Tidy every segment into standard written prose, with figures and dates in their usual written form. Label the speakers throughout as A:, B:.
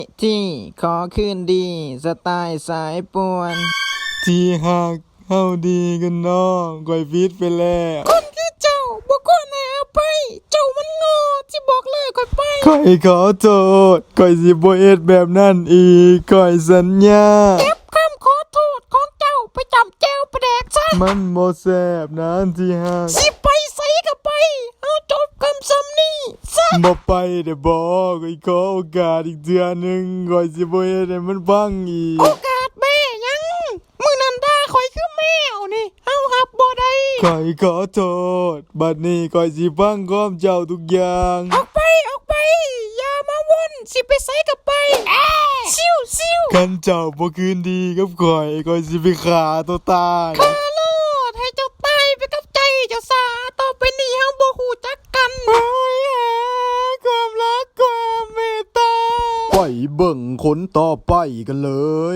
A: ที่ขอคืนดีสไตล์สายป่วน
B: ที่หักเฮาดีกันน้องก่อยพิษไปแล้ว
A: คนคือเจ้าบ่ควรให้อภัยเจ้ามันโง่ที่บอกเลิกก่อยไป
B: ก่อยขอโทษก่อยสิบ่เฮ็ดแบบนั้นอีกก่อยสัญญา
A: เก็บคำขอโทษของเจ้าไปจำแจ้วประแดกซะ
B: มันบ่แซ่บนะที่หัก
A: สิไปใส่ก็ไปเอาจบคำซ้ำนี้ซะ
B: บ่ไปเด้อบ่ก่อยขอโอกาสอีกเทื่อหนึงก่อยสิบ่เฮ็ดให้มันพังอีก
A: โอกาสแม่ยังมื้อนั้นด่าข่อยคือแมวนี่เอาหับบ่ได้
B: ก่อยขอโทษบัดนี้ก่อยสิฟังความเจ้าทุกอย่าง
A: ออกไปอย่ามาวนสิไปใส่ก็ไปซิว
B: คันเจ้าบ่คืนดีกับก่อยสิไปฆ่าตัวตาย
A: คาโลดให้เจ้าตายไปกับใจเจ้าสาต่อไปนี้เฮาบ่ฮู้จักกัน
B: ความรักความเมตตาไปเบิ่งคนต่อไปกันเลย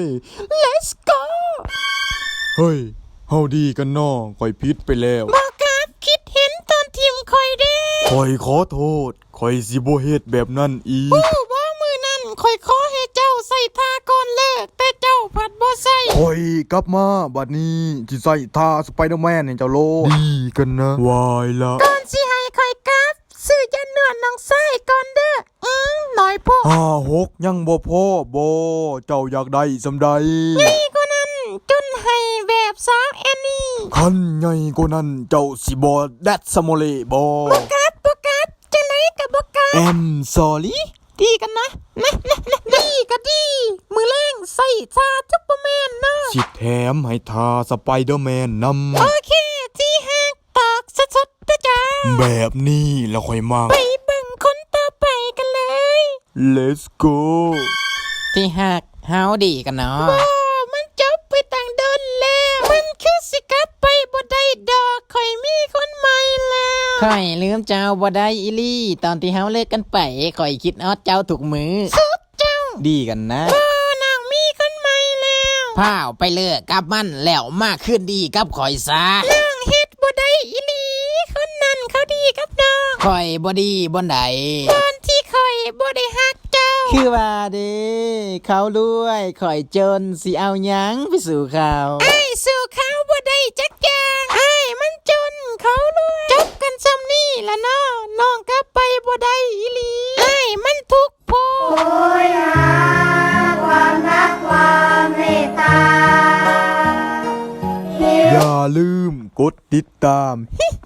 A: Let's go
B: เฮ้ยเฮาดีกันน้อก่อยผิดไปแล้ว
A: บ่กราบคิดเห็นตอนทีมข่อยเด้
B: ข่อยขอโทษข่อยสิบ่เฮ็ดแบบนั้นอีก
A: บ่มื้อนั้นข่อยขอให้เจ้าใส่ท่าก่อนเลิกแต่เจ้าผัดบ่ใส่
B: ข่อยกลับมาบัดนี้สิใส่ท่าสไปเดอร์แมนให้เจ้าโลดีกันนะวายละ
A: ก่อนสิให้ข่อยกราบซื้อยาเนื้อน้องไส้ก่อนเด้อน้อยพอ
B: 6ยังบ่พอบ่เจ้าอยากได้สำใด
A: ใหญ่กว่านั้นจนให้แบบสาวแอนนี่
B: คันใหญ่กว่านั้นเจ้าสิบ่แดดสโมเลบ่
A: กราบจังได๋ก็บ่กราบ
B: sorry
A: ดีกันนะดีก็ดีมือแรงใส่ซาซุปเปอร์แมนนะ
B: สิแถมให้ทาสไปเดอร์แมนนำ
A: โอเคที่ฮักตอกสดๆนะจ๊ะ
B: แบบนี้แล้วค่อยมา
A: ไปเบิ่งคนต่อไปกันเลย
B: Let's go
A: ที่ฮักเฮาดีกันเนาะมันจบไปตั้งเดินแล้วมันคือสิกลับไปบ่ได้ดอกข่อยมีคนใหม่แล้วข่อยลืมเจ้าบ่ได้อีลี่ตอนที่เฮาเลิกกันไปข่อยคิดฮอดเจ้าทุกมื้อสุดเจ้าดีกันนะนางมีคนใหม่แล้วพาวไปเลิกกับมันแล้วมาคืนดีกับข่อยซะนางเฮ็ดบ่ได้อีลี่คนนั้นเขาดีกับน้องข่อยบ่ดีบ่ใดตอนที่ข่อยบ่ได้ฮักเจ้าคือว่าเด้เขารวยข่อยจนสิเอาหยังไปสู่เขาสู่เขาบ่ได้จักอย่างมันจนเขารวยจบกันซ้ำนี่ล่ะเนาะน้องกลับไปบ่ได้อีหลีมันทุกข์โพ
C: โอยหาความรักความเมตตา
B: อย่าลืมกดติดตาม